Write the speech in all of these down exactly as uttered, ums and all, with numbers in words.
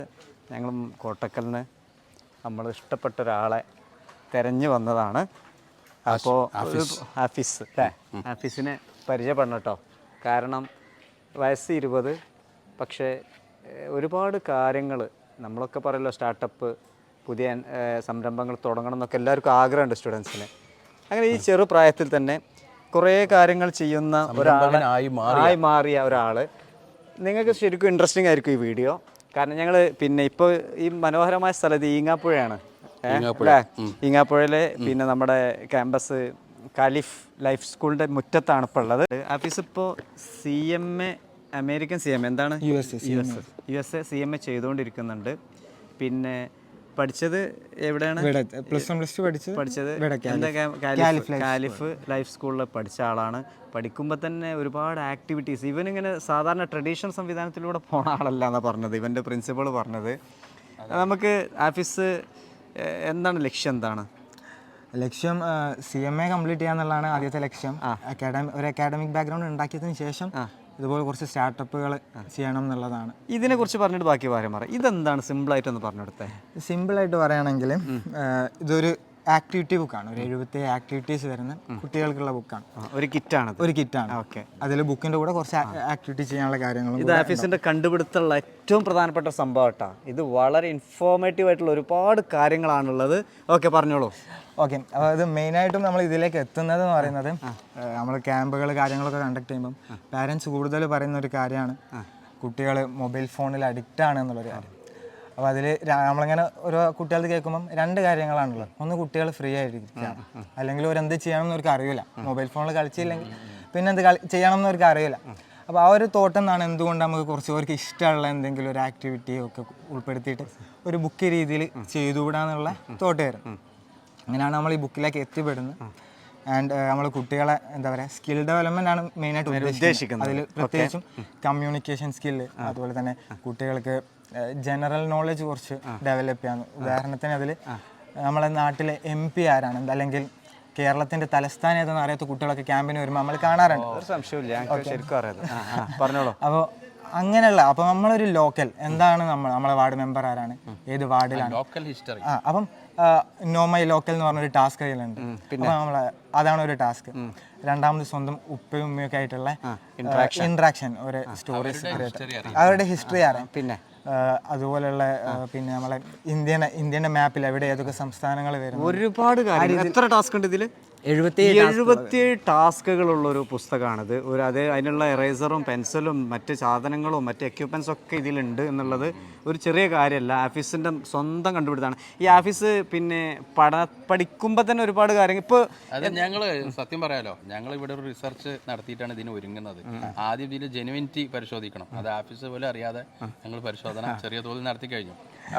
ഞങ്ങളും കോട്ടക്കലിന് നമ്മൾ ഇഷ്ടപ്പെട്ട ഒരാളെ തിരഞ്ഞു വന്നതാണ്. അപ്പോൾ ഹാഫിസ് അല്ലേ, ഹാഫിസിനെ പരിചയപ്പെടണം കേട്ടോ. കാരണം വയസ്സ് ഇരുപത്, പക്ഷേ ഒരുപാട് കാര്യങ്ങൾ നമ്മളൊക്കെ പറയല്ലോ, സ്റ്റാർട്ടപ്പ് പുതിയ സംരംഭങ്ങൾ തുടങ്ങണം എന്നൊക്കെ എല്ലാവർക്കും ആഗ്രഹമുണ്ട് സ്റ്റുഡൻസിന്. അങ്ങനെ ഈ ചെറു പ്രായത്തിൽ തന്നെ കുറേ കാര്യങ്ങൾ ചെയ്യുന്ന ഒരാളായി ആയി മാറിയ ഒരാൾ. നിങ്ങൾക്ക് ശരിക്കും ഇൻട്രസ്റ്റിംഗ് ആയിരിക്കും ഈ വീഡിയോ. കാരണം ഞങ്ങൾ പിന്നെ ഇപ്പോൾ ഈ മനോഹരമായ സ്ഥലത്ത് ഈങ്ങാപ്പുഴയാണ് അല്ലേ, ഈങ്ങാപ്പുഴയിലെ പിന്നെ നമ്മുടെ ക്യാമ്പസ് കാലിഫ് ലൈഫ് സ്കൂളിൻ്റെ മുറ്റത്താണ് ഇപ്പോൾ ഉള്ളത്. ആഫീസ് ഇപ്പോൾ C M A American C M A എന്താണ് U S U S U S A C M A ചെയ്തുകൊണ്ടിരിക്കുന്നുണ്ട്. പിന്നെ പഠിച്ചത് എവിടെയാണ്? പ്ലസ് വൺ പ്ലസ് ടു പഠിച്ചത് പഠിച്ചത് കാലിഫ് ലൈഫ് സ്കൂളിൽ പഠിച്ച ആളാണ്. പഠിക്കുമ്പോൾ തന്നെ ഒരുപാട് ആക്ടിവിറ്റീസ്, ഇവൻ ഇങ്ങനെ സാധാരണ ട്രഡീഷണൽ സംവിധാനത്തിലൂടെ പോണ ആളല്ല എന്നാണ് പറഞ്ഞത് ഇവൻ്റെ പ്രിൻസിപ്പൾ പറഞ്ഞത്. നമുക്ക് ആഫീസ് എന്താണ് ലക്ഷ്യം? എന്താണ് ലക്ഷ്യം? സി എം എ കംപ്ലീറ്റ് ചെയ്യാന്നുള്ളതാണ് ആദ്യത്തെ ലക്ഷ്യം. അക്കാഡമി ഒരു അക്കാഡമിക് ബാക്ക്ഗ്രൗണ്ട് ഉണ്ടാക്കിയതിന് ശേഷം ഇതുപോലെ കുറച്ച് സ്റ്റാർട്ടപ്പുകൾ ചെയ്യണം എന്നുള്ളതാണ്. ഇതിനെക്കുറിച്ച് പറഞ്ഞിട്ട് ബാക്കി കാര്യം പറയാം. ഇതെന്താണ് സിമ്പിളായിട്ടൊന്ന് പറഞ്ഞെടുത്തേ? സിമ്പിളായിട്ട് പറയുകയാണെങ്കിൽ ഇതൊരു ആക്ടിവിറ്റി ബുക്കാണ്. ഒരു എഴുപത്തി ആക്ടിവിറ്റീസ് വരുന്ന കുട്ടികൾക്കുള്ള ബുക്കാണ്. ഒരു കിറ്റാണ് ഒരു കിറ്റാണ് ഓക്കെ. അതിൽ ബുക്കിൻ്റെ കൂടെ കുറച്ച് ആക്ടിവിറ്റി ചെയ്യാനുള്ള കാര്യങ്ങളും. ഇത് ആഫീസിൻ്റെ കണ്ടുപിടുത്തമുള്ള ഏറ്റവും പ്രധാനപ്പെട്ട സംഭവം കേട്ടോ. ഇത് വളരെ ഇൻഫോർമേറ്റീവ് ആയിട്ടുള്ള ഒരുപാട് കാര്യങ്ങളാണുള്ളത്. ഓക്കെ, പറഞ്ഞോളൂ. ഓക്കെ, അപ്പോൾ ഇത് മെയിനായിട്ടും നമ്മൾ ഇതിലേക്ക് എത്തുന്നത് എന്ന് പറയുന്നത്, നമ്മൾ ക്യാമ്പുകൾ കാര്യങ്ങളൊക്കെ കണ്ടക്ട് ചെയ്യുമ്പം പാരൻസ് കൂടുതൽ പറയുന്ന ഒരു കാര്യമാണ് കുട്ടികൾ മൊബൈൽ ഫോണിൽ അഡിക്റ്റ് ആണ് എന്നുള്ളൊരു കാര്യം. അപ്പോൾ അതിൽ നമ്മളിങ്ങനെ ഓരോ കുട്ടികൾക്ക് കേൾക്കുമ്പം രണ്ട് കാര്യങ്ങളാണുള്ളത്. ഒന്ന്, കുട്ടികൾ ഫ്രീ ആയിട്ടിരിക്കുകയാണ്, അല്ലെങ്കിൽ അവരെന്ത് ചെയ്യണം എന്നവർക്ക് അറിയില്ല. മൊബൈൽ ഫോണിൽ കളിച്ചില്ലെങ്കിൽ പിന്നെ എന്ത് കളി ചെയ്യണം എന്നവർക്ക് അറിയില്ല. അപ്പോൾ ആ ഒരു തോട്ടം എന്നാണ് എന്തുകൊണ്ട് നമുക്ക് കുറച്ച് അവർക്ക് ഇഷ്ടമുള്ള എന്തെങ്കിലും ഒരു ആക്ടിവിറ്റി ഒക്കെ ഉൾപ്പെടുത്തിയിട്ട് ഒരു ബുക്ക് രീതിയിൽ ചെയ്തുകൂടാന്നുള്ള തോട്ട് വരും. അങ്ങനെയാണ് നമ്മൾ ഈ ബുക്കിലേക്ക് എത്തിപ്പെടുന്നത്. ആൻഡ് നമ്മൾ കുട്ടികളെ എന്താ പറയുക, സ്കിൽ ഡെവലപ്മെൻ്റ് ആണ് മെയിനായിട്ട് ഉദ്ദേശിക്കുന്നത്. അതിൽ പ്രത്യേകിച്ചും കമ്മ്യൂണിക്കേഷൻ സ്കില്ല്, അതുപോലെ തന്നെ കുട്ടികൾക്ക് ജനറൽ നോളജ് കുറച്ച് ഡെവലപ്പ് ചെയ്യാൻ. ഉദാഹരണത്തിന് അതിൽ നമ്മളെ നാട്ടിലെ എം പി ആരാണ്, അല്ലെങ്കിൽ കേരളത്തിന്റെ തലസ്ഥാനം ഏതെന്ന് അറിയാത്ത കുട്ടികളൊക്കെ ക്യാമ്പിന് വരുമ്പോൾ നമ്മൾ കാണാറുണ്ട്. അപ്പോൾ അങ്ങനെയുള്ള, അപ്പോൾ നമ്മളൊരു ലോക്കൽ എന്താണ്, നമ്മൾ നമ്മളെ വാർഡ് മെമ്പർ ആരാണ്, ഏത് വാർഡിലാണ്, ആ അപ്പം നോ മൈ ലോക്കൽ എന്ന് പറഞ്ഞൊരു ടാസ്ക് കയ്യിലുണ്ട്. അപ്പോൾ നമ്മൾ അതാണ് ഒരു ടാസ്ക്. രണ്ടാമത് സ്വന്തം ഉപ്പയും ഉമ്മയൊക്കെ ആയിട്ടുള്ള ഇൻട്രാക്ഷൻ, ഒരു സ്റ്റോറീസ്, അവരുടെ ഹിസ്റ്ററി അറിയാം. പിന്നെ അതുപോലെയുള്ള പിന്നെ നമ്മളെ ഇന്ത്യൻ ഇന്ത്യൻ്റെ മാപ്പിൽ എവിടെ ഏതൊക്കെ സംസ്ഥാനങ്ങൾ വരും, ഒരുപാട് കാര്യം. എത്ര ടാസ്ക് ഉണ്ട് ഇതിൽ? എഴുപത്തി എഴുപത്തിയേഴ് ടാസ്കുകളുള്ളൊരു പുസ്തകമാണിത്. ഒരു അത് അതിനുള്ള എറേസറും പെൻസിലും മറ്റ് സാധനങ്ങളും മറ്റ് എക്യുപ്മെൻറ്റ്സും ഒക്കെ ഇതിലുണ്ട് എന്നുള്ളത് ഒരു ചെറിയ കാര്യമല്ല. ആഫീസിൻ്റെ സ്വന്തം കണ്ടുപിടുത്താണ്. ഈ ആഫീസ് പിന്നെ പഠ പഠിക്കുമ്പോൾ തന്നെ ഒരുപാട് കാര്യങ്ങൾ. ഇപ്പോൾ അത് ഞങ്ങൾ സത്യം പറയാലോ, ഞങ്ങൾ ഇവിടെ ഒരു റിസർച്ച് നടത്തിയിട്ടാണ് ഇതിന് ഒരുങ്ങുന്നത്. ആദ്യം ഇതിൽ ജെനുവിനിറ്റി പരിശോധിക്കണം. അത് ആഫീസ് പോലും അറിയാതെ ഞങ്ങൾ പരിശോധന ചെറിയ തോതിൽ നടത്തി കഴിഞ്ഞു.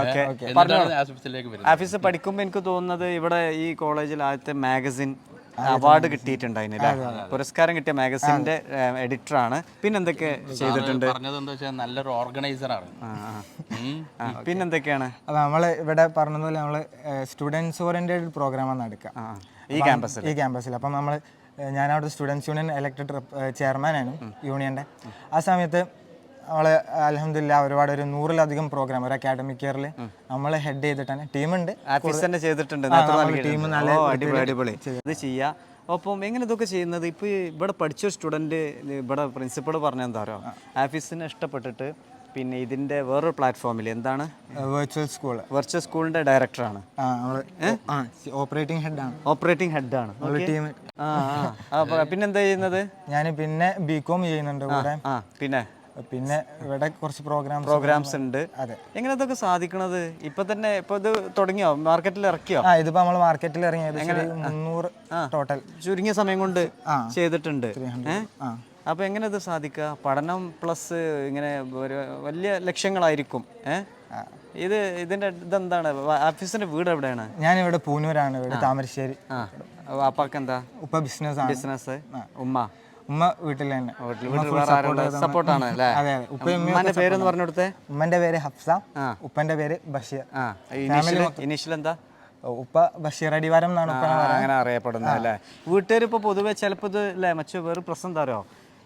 ആഫീസ് പഠിക്കുമ്പോൾ എനിക്ക് തോന്നുന്നത് ഇവിടെ ഈ കോളേജിൽ ആദ്യത്തെ മാഗസിൻ അവാർഡ് കിട്ടിയിട്ടുണ്ട്, അതിന് പുരസ്കാരം കിട്ടിയ മാഗസിന്റെ എഡിറ്ററാണ്. പിന്നെന്തൊക്കെ ചെയ്തിട്ടുണ്ട്? നല്ലൊരു ഓർഗനൈസറാണ്. പിന്നെന്തൊക്കെയാണ്? അപ്പോൾ നമ്മൾ ഇവിടെ പറഞ്ഞതുപോലെ നമ്മൾ സ്റ്റുഡൻസ് ഓറിയന്റഡ് പ്രോഗ്രാമാണ് നടക്കുക ഈ ക്യാമ്പസിൽ ഈ ക്യാമ്പസിൽ അപ്പം നമ്മൾ ഞാനവിടെ സ്റ്റുഡൻസ് യൂണിയൻ ഇലക്ടഡ് ചെയർമാനാണ് യൂണിയൻ്റെ. ആ സമയത്ത് നമ്മൾ അൽഹംദുലില്ലാ ഒരുപാട് ഒരു നൂറിലധികം പ്രോഗ്രാം ഒരു അക്കാഡമിക് ഇയറിൽ നമ്മൾ ഹെഡ് ചെയ്തിട്ടാണ്. ടീമുണ്ട്, ചെയ്തിട്ടുണ്ട്. അടിപൊളി ഇത് ചെയ്യാം. അപ്പം എങ്ങനെ ഇതൊക്കെ ചെയ്യുന്നത്? ഇപ്പോൾ ഇവിടെ പഠിച്ചൊരു സ്റ്റുഡൻറ്റ് ഇവിടെ പ്രിൻസിപ്പൾ പറഞ്ഞ എന്താ പറയുക, ആഫീസിനെ ഇഷ്ടപ്പെട്ടിട്ട് പിന്നെ ഇതിൻ്റെ വേറൊരു പ്ലാറ്റ്ഫോമിൽ എന്താണ് വെർച്വൽ സ്കൂൾ വെർച്വൽ സ്കൂളിൻ്റെ ഡയറക്ടറാണ്, ഓപ്പറേറ്റിംഗ് ഹെഡാണ് ഓപ്പറേറ്റിംഗ് ഹെഡാണ് ടീം. പിന്നെന്താ ചെയ്യുന്നത്? ഞാൻ പിന്നെ ബി കോം ചെയ്യുന്നുണ്ട് കൂടെ. ആ പിന്നെ പിന്നെ ഇവിടെ കുറച്ച് പ്രോഗ്രാം പ്രോഗ്രാംസ് ഉണ്ട്. അതെ. എങ്ങനെ ഇതൊക്കെ സാധിക്കണത്? ഇപ്പൊ തന്നെ ഇപ്പൊ ഇത് തുടങ്ങിയോ? മാർക്കറ്റിൽ ഇറക്കിയോ? ആ ഇതിപ്പോ നമ്മൾ മാർക്കറ്റിൽ ഇറങ്ങിയത് മുന്നൂറ് ടോട്ടൽ ചുരുങ്ങിയ സമയം കൊണ്ട് ചെയ്തിട്ടുണ്ട്. അപ്പൊ എങ്ങനെ ഇത് സാധിക്കുക? പഠനം പ്ലസ് ഇങ്ങനെ ഒരു വലിയ ലക്ഷ്യങ്ങളായിരിക്കും. ഏഹ് ഇത് ഇതിന്റെ ഇതെന്താണ്? ആഫീസിന്റെ വീട് എവിടെയാണ്? ഞാനിവിടെ പൂനൂരാണ്, ഇവിടെ താമരശ്ശേരി. അപ്പൊക്കെ എന്താ? ഉപ്പ ബിസിനസ് ബിസിനസ്, ഉമ്മ ഉമ്മ വീട്ടിൽ തന്നെ സപ്പോർട്ടാണ് അല്ലേ? ഉമ്മന്റെ പേരെന്ന് പറഞ്ഞു കൊടുത്തേ. ഉമ്മന്റെ പേര് ഹഫ്സ, ഉപ്പന്റെ പേര് ബഷീർ. ഇനീഷ്യൽ എന്താ? ഉപ്പ ബഷീർ അടിവാരം എന്നാണ് അങ്ങനെ അറിയപ്പെടുന്നത് അല്ലേ? വീട്ടുകാർ ഇപ്പോൾ പൊതുവെ ചിലപ്പോൾ ഇത് അല്ലേ മറ്റു വേറെ പ്രശ്നം തരോ,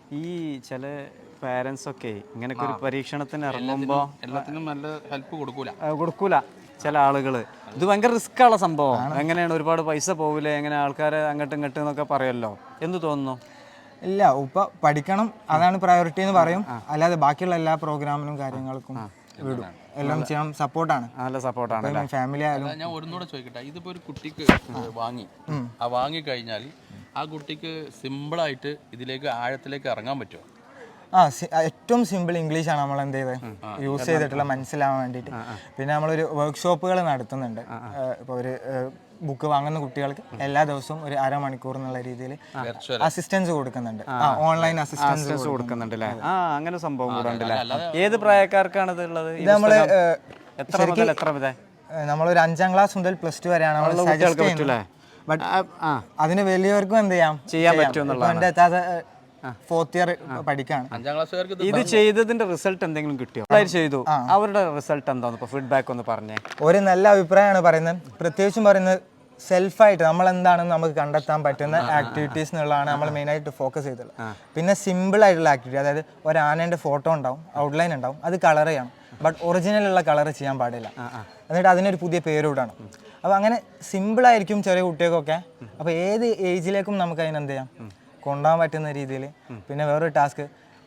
ഈ ചില പാരൻസ് ഒക്കെ ഇങ്ങനൊക്കെ ഒരു പരീക്ഷണത്തിന് ഇറങ്ങുമ്പോൾ എല്ലാത്തിനും നല്ല ഹെൽപ്പ് കൊടുക്കൂല കൊടുക്കൂല ചില ആളുകൾ. ഇത് ഭയങ്കര റിസ്ക് ഉള്ള സംഭവം. എങ്ങനെയാണ്, ഒരുപാട് പൈസ പോകില്ലേ, എങ്ങനെ ആൾക്കാരെ അങ്ങോട്ടും ഇങ്ങോട്ടും എന്നൊക്കെ പറയുമല്ലോ, എന്ത് തോന്നുന്നു? ഇല്ല, ഉപ്പ പഠിക്കണം, അതാണ് പ്രയോറിറ്റി എന്ന് പറയും. അല്ലാതെ ബാക്കിയുള്ള എല്ലാ പ്രോഗ്രാമിനും കാര്യങ്ങൾക്കും വിടും, എല്ലാം ചെയ്യാൻ സപ്പോർട്ടാണ്, നല്ല സപ്പോർട്ടാണ്. ഫാമിലി ആയാലും. ഞാൻ ഒന്നുകൂടെ ചോദിക്കട്ടെ, ഇതിപ്പോ ഒരു കുട്ടിക്ക് വാങ്ങി ആ വാങ്ങി കഴിഞ്ഞാൽ ആ കുട്ടിക്ക് സിമ്പിളായിട്ട് ഇതിലേക്ക് ആഴത്തിലേക്ക് ഇറങ്ങാൻ പറ്റുമോ? ആ ഏറ്റവും സിമ്പിൾ ഇംഗ്ലീഷാണ് നമ്മൾ എന്ത് ചെയ്തത് യൂസ് ചെയ്തിട്ടുള്ള മനസ്സിലാവാൻ വേണ്ടിയിട്ട്. പിന്നെ നമ്മളൊരു വർക്ക്ഷോപ്പുകൾ നടത്തുന്നുണ്ട്. ഇപ്പോൾ ഒരു ബുക്ക് വാങ്ങുന്ന കുട്ടികൾക്ക് എല്ലാ ദിവസവും ഒരു അരമണിക്കൂർ എന്നുള്ള രീതിയിൽ അസിസ്റ്റൻസ് കൊടുക്കുന്നുണ്ട്, ഓൺലൈൻ അസിസ്റ്റൻസ് കൊടുക്കുന്നുണ്ട് അല്ലേ? ആ, അങ്ങനെ സംഭവം കൂടെ ഉണ്ടല്ലേ. ഏത് പ്രായക്കാർക്കാണ് ഇത് ഉള്ളത്? ഇത് നമ്മള് എത്ര മുതൽ എത്ര വരെ? നമ്മളൊരു അഞ്ചാം ക്ലാസ് മുതൽ പ്ലസ് ടു വരെയാണ് നമ്മൾ സജസ്റ്റ് ചെയ്യുന്നത്. ബട്ട് അതിന് വലിയവർക്കും എന്ത് ചെയ്യാം ചെയ്യാൻ പറ്റും. എൻ്റെ എത്താതെ ഫോർത്ത് ഇയർ പഠിക്കാണ്. അഞ്ചാം ക്ലാസ്സുകാർക്ക് ഇത് ചെയ്തതിന്റെ റിസൾട്ട് എന്തെങ്കിലും കിട്ടിയോ? ചെയ്തു, അവരുടെ റിസൾട്ട് എന്താന്ന് ഇപ്പൊ ഫീഡ്ബാക്ക് ഒന്ന് പറഞ്ഞേ. ഒരു നല്ല അഭിപ്രായമാണ് പറയുന്നത്. പ്രത്യേകിച്ചും പറയുന്നത് സെൽഫായിട്ട് നമ്മൾ എന്താണെന്ന് നമുക്ക് കണ്ടെത്താൻ പറ്റുന്ന ആക്ടിവിറ്റീസ് എന്നുള്ളതാണ് നമ്മൾ മെയിനായിട്ട് ഫോക്കസ് ചെയ്തിട്ടുള്ളത്. പിന്നെ സിമ്പിൾ ആയിട്ടുള്ള ആക്ടിവിറ്റി, അതായത് ഒരു ആനേൻ്റെ ഫോട്ടോ ഉണ്ടാവും, ഔട്ട്ലൈൻ ഉണ്ടാവും, അത് കളർ ചെയ്യണം. ബട്ട് ഒറിജിനലുള്ള കളർ ചെയ്യാൻ പാടില്ല. എന്നിട്ട് അതിനൊരു പുതിയ പേരൂടാണ്. അപ്പോൾ അങ്ങനെ സിമ്പിളായിരിക്കും ചെറിയ കുട്ടികൾക്കൊക്കെ. അപ്പോൾ ഏത് ഏജിലേക്കും നമുക്ക് അതിനെന്ത് ചെയ്യാം, കൊണ്ടുപോകാൻ പറ്റുന്ന രീതിയിൽ. പിന്നെ വേറൊരു ടാസ്ക്,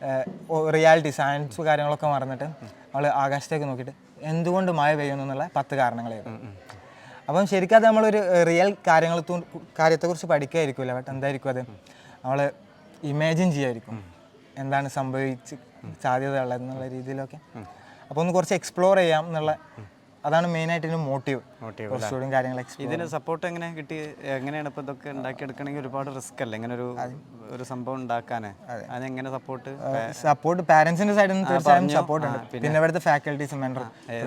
റിയാലിറ്റി സയൻസ് കാര്യങ്ങളൊക്കെ മറന്നിട്ട് നമ്മൾ ആകാശത്തേക്ക് നോക്കിയിട്ട് എന്തുകൊണ്ട് മഴ പെയ്യുന്നു എന്നുള്ള പത്ത് കാരണങ്ങളായിരുന്നു. അപ്പം ശരിക്കും അത് നമ്മളൊരു റിയൽ കാര്യങ്ങൾ കാര്യത്തെക്കുറിച്ച് പഠിക്കായിരിക്കില്ല. ബട്ട് എന്തായിരിക്കും അത്, നമ്മൾ ഇമാജിൻ ചെയ്യായിരിക്കും എന്താണ് സംഭവിച്ച് സാധ്യതയുള്ളത് എന്നുള്ള രീതിയിലൊക്കെ. അപ്പോൾ ഒന്ന് കുറച്ച് എക്സ്പ്ലോർ ചെയ്യാം എന്നുള്ള, അതാണ് മെയിനായിട്ട് ഇതിന് മോട്ടീവ്. കുറച്ചുകൂടി കാര്യങ്ങൾ ഇതിന് സപ്പോർട്ട് എങ്ങനെ കിട്ടി? എങ്ങനെയാണ് ഇപ്പോൾ ഇതൊക്കെ ഉണ്ടാക്കിയെടുക്കണമെങ്കിൽ ഒരുപാട് റിസ്ക് അല്ലേ ഇങ്ങനെ ഒരു ഒരു സംഭവം ഉണ്ടാക്കാൻ? അതെങ്ങനെ സപ്പോർട്ട്? സപ്പോർട്ട് പാരന്റ്സിന്റെ സൈഡിൽ നിന്ന് തീർച്ചയായും സപ്പോർട്ട് ഉണ്ട്. പിന്നെ ഇവിടുത്തെ ഫാക്കൽറ്റീസ് മെന്റർ,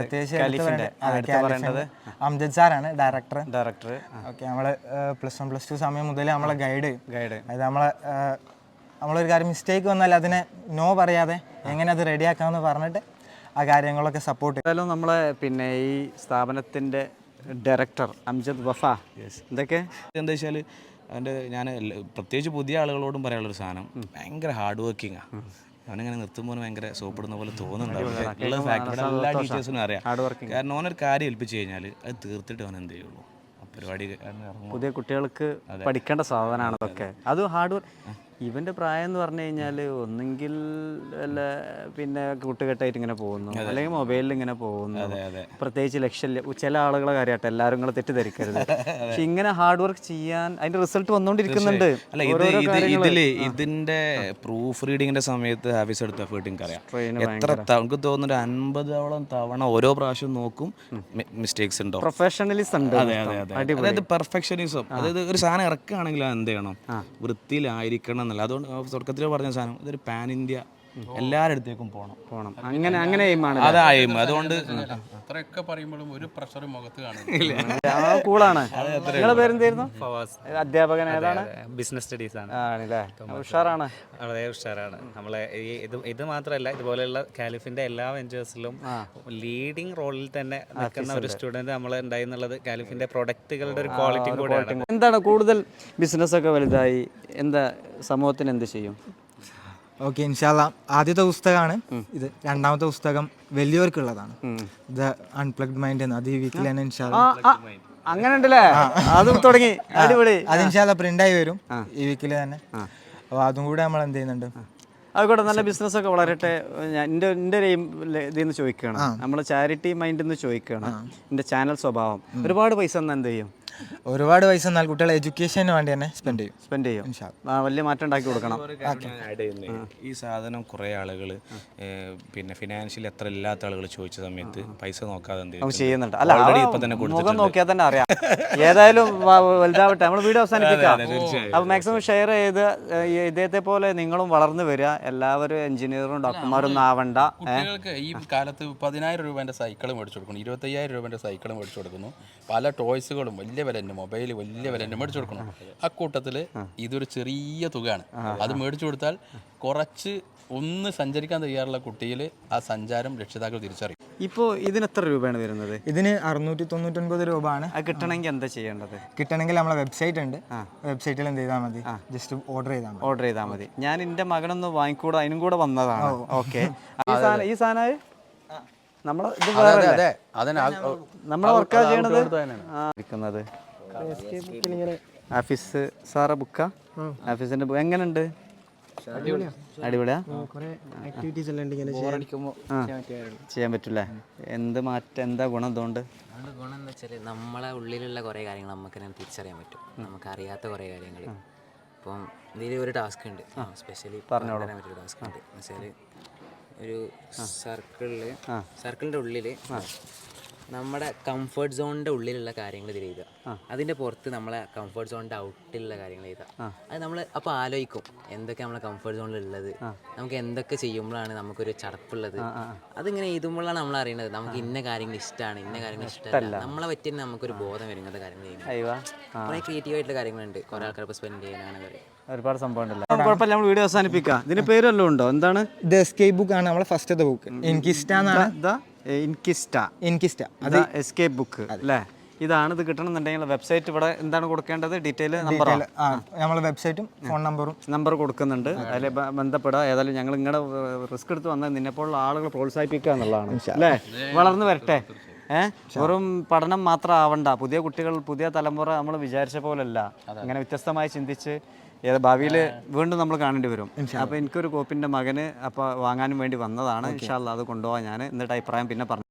പ്രത്യേകിച്ച് അംജദ് സാറാണ് ഡയറക്ടർ. ഡയറക്ടർ ഓക്കെ, നമ്മള് പ്ലസ് വൺ പ്ലസ് ടു സമയം മുതൽ നമ്മളെ ഗൈഡ് ഗൈഡ് അതായത് നമ്മളെ നമ്മളൊരു കാര്യം മിസ്റ്റേക്ക് വന്നാൽ അതിനെ നോ പറയാതെ എങ്ങനെ അത് റെഡിയാക്കാമെന്ന് പറഞ്ഞിട്ട് ആ കാര്യങ്ങളൊക്കെ സപ്പോർട്ട്. ഏതായാലും നമ്മളെ പിന്നെ ഈ സ്ഥാപനത്തിൻ്റെ ഡയറക്ടർ അംജദ് വഫ, എന്തൊക്കെ എന്താ വെച്ചാൽ അവൻ്റെ ഞാൻ പ്രത്യേകിച്ച് പുതിയ ആളുകളോടും പറയാനുള്ളൊരു സാധനം, ഭയങ്കര ഹാർഡ് വർക്കിംഗാണ്. അവനിങ്ങനെ നിർത്തുമ്പോൾ ഭയങ്കര സോപ്പിടുന്ന പോലെ തോന്നുന്നുണ്ടാവും. ഉള്ള ഫാക്ടറിയുടെ എല്ലാ ടീച്ചേഴ്സിനും അറിയാം. കാരണം ഓനൊരു കാര്യം ഏൽപ്പിച്ച് കഴിഞ്ഞാൽ അത് തീർത്തിട്ട് അവൻ എന്ത് ചെയ്യുള്ളൂ, പരിപാടി. പുതിയ കുട്ടികൾക്ക് പഠിക്കേണ്ട സാധനമാണ് അതൊക്കെ. അത് ഹാർഡ് വർക്ക്. ഇവൻ്റെ പ്രായം എന്ന് പറഞ്ഞു കഴിഞ്ഞാൽ ഒന്നെങ്കിൽ വല്ല പിന്നെ കൂട്ടുകെട്ടായിട്ട് ഇങ്ങനെ പോകുന്നു, അല്ലെങ്കിൽ മൊബൈലിൽ ഇങ്ങനെ പോകുന്നു. പ്രത്യേകിച്ച് ലക്ഷ്യം ചില ആളുകളെ കാര്യമായിട്ട് എല്ലാവരും കൂടെ തെറ്റിദ്ധരിക്കരുത്. പക്ഷെ ഇങ്ങനെ ഹാർഡ് വർക്ക് ചെയ്യാൻ അതിന്റെ റിസൾട്ട് വന്നുകൊണ്ടിരിക്കുന്നുണ്ട്. അല്ല, ഇത് ഇതില് ഇതിന്റെ പ്രൂഫ് റീഡിങ്ങിന്റെ സമയത്ത് ഹാഫീസ് എടുത്ത എഫേർട്ട് അറിയാം. എത്ര നമുക്ക് തോന്നുന്നു അൻപതോളം തവണ ഓരോ പ്രാവശ്യം നോക്കും, മിസ്റ്റേക്സ് ഉണ്ടോ. പ്രൊഫഷണലിസം ഉണ്ട്. അതെ അതെ അതെ അതായത് പെർഫെക്ഷനിസം. അതായത് ഒരു സാധനം ഇറക്കുകയാണെങ്കിൽ എന്ത് ചെയ്യണം, വൃത്തിയിലായിരിക്കണം എന്നല്ല. അതുകൊണ്ട് തുടക്കത്തിൽ പറഞ്ഞ സാധനം ഇതൊരു പാൻ ഇന്ത്യ എല്ലാവരുടെ അടുത്തേക്കും പോകണം പോകണം അങ്ങനെ അങ്ങനെ അതായും. അതുകൊണ്ട് അത്രയൊക്കെ പറയുമ്പോഴും ഒരു പ്രഷർ മുഖത്ത് കാണില്ല. കൂളാണ്. നിങ്ങളുടെ പേരെന്തായിരുന്നു? അധ്യാപകൻ ഏതാണ്? ബിസിനസ് സ്റ്റഡീസ് ആണ്. ആണല്ലേ, ഉഷാറാണ്, വളരെ ഉഷാറാണ്. നമ്മളെ ഈ ഇത് ഇത് മാത്രമല്ല, ഇതുപോലെയുള്ള കാലിഫിന്റെ എല്ലാ വെഞ്ചേഴ്സിലും ലീഡിങ് റോളിൽ തന്നെ നിൽക്കുന്ന ഒരു സ്റ്റുഡന്റ് നമ്മൾ ഉണ്ടായി എന്നുള്ളത് കാലിഫിന്റെ പ്രൊഡക്റ്റുകളുടെ ഒരു ക്വാളിറ്റി കൂടെയാണ്. എന്താണ് കൂടുതൽ ബിസിനസ് ഒക്കെ വലുതായി എന്താ സമൂഹത്തിന് എന്ത് ചെയ്യും? ഓക്കെ, ഇൻഷാല്ലാ. ആദ്യത്തെ പുസ്തകമാണ് ഇത്. രണ്ടാമത്തെ പുസ്തകം വലിയവർക്കുള്ളതാണ്, ദ അൺപ്ലഗ്ഡ് മൈൻഡ് എന്ന്. അത് ഈ വീക്കിൽ തന്നെ ഇൻഷാല്ലാ. അങ്ങനെ ഉണ്ടല്ലേ, അതും തുടങ്ങി. അടിപൊളി. അത് ഇൻഷാല്ലാ പ്രിന്റായി വരും ഈ വീക്കിൽ തന്നെ. അപ്പോൾ അതും കൂടെ നമ്മൾ എന്ത് ചെയ്യുന്നുണ്ട്. അതുകൂടെ നല്ല ബിസിനസ് ഒക്കെ വളരട്ടെ. എൻ്റെ എൻ്റെ ഒരു ഇതിൽ നിന്ന് ചോദിക്കുകയാണ്, നമ്മൾ ചാരിറ്റി മൈൻഡിൽ നിന്ന് ചോദിക്കുകയാണ്. എൻ്റെ ചാനൽ സ്വഭാവം ഒരുപാട് പൈസ എന്നാൽ എന്ത് ചെയ്യും? ഒരുപാട് പൈസ എന്നാൽ കുട്ടികളെ എഡ്യൂക്കേഷന് വേണ്ടി തന്നെ സ്പെൻഡ് ചെയ്യും സ്പെൻഡ് ചെയ്യും വലിയ മാറ്റം ഉണ്ടാക്കി കൊടുക്കണം. ഈ സാധനം കുറേ ആളുകൾ പിന്നെ ഫിനാൻഷ്യലി എത്ര ഇല്ലാത്ത ആളുകൾ ചോദിച്ച സമയത്ത് പൈസ നോക്കാതെ എന്ത് ചെയ്യുന്നുണ്ട്. അല്ല, ഇപ്പൊ തന്നെ മുഖം നോക്കിയാൽ തന്നെ അറിയാം. ഏതായാലും വലുതാവട്ടെ. നമ്മൾ വീഡിയോ അവസാനിപ്പിക്കാം. അപ്പോൾ മാക്സിമം ഷെയർ ചെയ്ത് ഇദ്ദേഹത്തെ പോലെ നിങ്ങളും വളർന്നു വരിക. എല്ലാവരും എഞ്ചിനീയറും ഡോക്ടർമാരും ഒന്നും ആവണ്ട. കുട്ടികൾക്ക് ഈ കാലത്ത് പതിനായിരം രൂപേൻ്റെ സൈക്കിൾ മേടിച്ചു കൊടുക്കുന്നു, ഇരുപത്തയ്യായിരം രൂപേൻ്റെ സൈക്കിൾ മേടിച്ചു കൊടുക്കുന്നു, പല ടോയ്സുകളും വലിയ വലിയ വില തന്നെ, മൊബൈൽ വലിയ വില തന്നെ മേടിച്ചു കൊടുക്കണം. അക്കൂട്ടത്തിൽ ഇതൊരു ചെറിയ തുകയാണ്. അത് മേടിച്ചു കൊടുത്താൽ കുറച്ച് ഒന്ന് സഞ്ചരിക്കാൻ തയ്യാറുള്ള കുട്ടിയിൽ ആ സഞ്ചാരം രക്ഷിതാക്കൾ തിരിച്ചറിയും. ഇപ്പോൾ ഇതിന് എത്ര രൂപയാണ് വരുന്നത്? ഇതിന് അറുന്നൂറ്റി തൊണ്ണൂറ്റൊൻപത് രൂപ ആണ്. അത് കിട്ടണമെങ്കിൽ എന്താ ചെയ്യേണ്ടത്? കിട്ടണമെങ്കിൽ നമ്മളെ വെബ്സൈറ്റ് ഉണ്ട്, വെബ്സൈറ്റിൽ എന്ത് ചെയ്താൽ മതി, ജസ്റ്റ് ഓർഡർ ചെയ്താൽ മതി. ഓർഡർ ചെയ്താൽ മതി. ഞാൻ എൻ്റെ മകനൊന്ന് വാങ്ങിക്കൂടെ, അതിനും കൂടെ വന്നതാണ്. ഓക്കെ. ഈ സാധനം ഈ സാധനം നമ്മളെ ഇത് വേറെ അതെ, അതിന് നമ്മളെ വർക്കാ ചെയ്യണത് ഇരിക്കുന്നത് ആഫീസ് സാറെ ബുക്കാ? ആഫീസിന്റെ ബുക്ക് എങ്ങനെയുണ്ട്? അടിപൊളിയാ? ചെയ്യാൻ പറ്റൂലേ? എന്ത് മാറ്റം, എന്താ ഗുണം അതുകൊണ്ട്? അതുകൊണ്ട് ഗുണം എന്താ വെച്ചാൽ നമ്മളെ ഉള്ളിലുള്ള കുറേ കാര്യങ്ങൾ നമുക്ക് തന്നെ തിരിച്ചറിയാൻ പറ്റും. നമുക്ക് അറിയാത്ത കുറേ കാര്യങ്ങൾ. ഇപ്പം ഇതിൽ ഒരു ടാസ്ക് ഉണ്ട്, സ്പെഷ്യലി പറഞ്ഞു തരാൻ പറ്റിയൊരു ടാസ്ക് ഉണ്ട്. എന്ന് വെച്ചാൽ ഒരു സർക്കിളിൽ സർക്കിളിൻ്റെ ഉള്ളിൽ നമ്മുടെ കംഫർട്ട് സോണിൻ്റെ ഉള്ളിലുള്ള കാര്യങ്ങൾ ഇതിൽ എഴുതുക. അതിൻ്റെ പുറത്ത് നമ്മളെ കംഫർട്ട് സോണിൻ്റെ ഔട്ടിലുള്ള കാര്യങ്ങൾ എഴുതുക. അത് നമ്മൾ അപ്പോൾ ആലോചിക്കും എന്തൊക്കെ നമ്മളെ കംഫർട്ട് സോണിലുള്ളത്, നമുക്ക് എന്തൊക്കെ ചെയ്യുമ്പോഴാണ് നമുക്കൊരു ചടപ്പുള്ളത്. അതിങ്ങനെ എഴുതുമ്പോഴാണ് നമ്മൾ അറിയുന്നത് നമുക്ക് ഇന്ന കാര്യങ്ങൾ ഇഷ്ടമാണ്, ഇന്ന കാര്യങ്ങൾ ഇഷ്ടമല്ല. നമ്മളെ പറ്റി നമുക്കൊരു ബോധം വരും ഇങ്ങനത്തെ കാര്യങ്ങൾ ചെയ്യുന്നത്. കുറേ ക്രിയേറ്റീവ് ആയിട്ടുള്ള കാര്യങ്ങളുണ്ട്, കുറേ ആൾക്കാർ സ്പെൻഡ് ചെയ്യാനാണ് കാര്യം. ഒരുപാട് സംഭവം ഉണ്ടല്ലോ. കുഴപ്പമില്ല, നമ്മൾ വീഡിയോ അവസാനിപ്പിക്കാം. ഇതിന് പേര് വല്ലതും ഉണ്ടോ? എന്താണ്? ഇത് എസ്കേപ്പ് ബുക്ക് ആണ് നമ്മളെ ഫസ്റ്റത്തെ ബുക്ക്. എനിക്കിഷ്ട എന്നാണ്. ഇൻകിസ്റ്റ എനിക്കിഷ്ട അത് എസ്കേപ്പ് ബുക്ക് അല്ലേ? ഇതാണ്. ഇത് കിട്ടണമെന്നുണ്ടെങ്കിൽ വെബ്സൈറ്റ് ഇവിടെ എന്താണ് കൊടുക്കേണ്ടത്? ഡീറ്റെയിൽ നമ്പർ, നമ്മളെ വെബ്സൈറ്റും ഫോൺ നമ്പറും നമ്പർ കൊടുക്കുന്നുണ്ട്. അതിൽ ബന്ധപ്പെടുക. ഏതായാലും ഞങ്ങൾ ഇങ്ങനെ റിസ്ക് എടുത്ത് വന്നാൽ നിന്നെപ്പോലുള്ള ആളുകൾ പ്രോത്സാഹിപ്പിക്കുക എന്നുള്ളതാണ് അല്ലേ? വളർന്നു വരട്ടെ. ഏഹ് വെറും പഠനം മാത്രം ആവണ്ട. പുതിയ കുട്ടികൾ, പുതിയ തലമുറ നമ്മൾ വിചാരിച്ച പോലല്ല. ഇങ്ങനെ വ്യത്യസ്തമായി ചിന്തിച്ച് ഏത് ഭാവിയിൽ വീണ്ടും നമ്മൾ കാണേണ്ടി വരും. അപ്പോൾ എനിക്കൊരു കോപ്പിൻ്റെ മകന് അപ്പോൾ വാങ്ങാനും വേണ്ടി വന്നതാണ്. ഇൻഷാ അല്ലാഹ് അത് കൊണ്ടുപോകാൻ ഞാൻ എന്നിട്ട് അഭിപ്രായം പിന്നെ പറഞ്ഞു.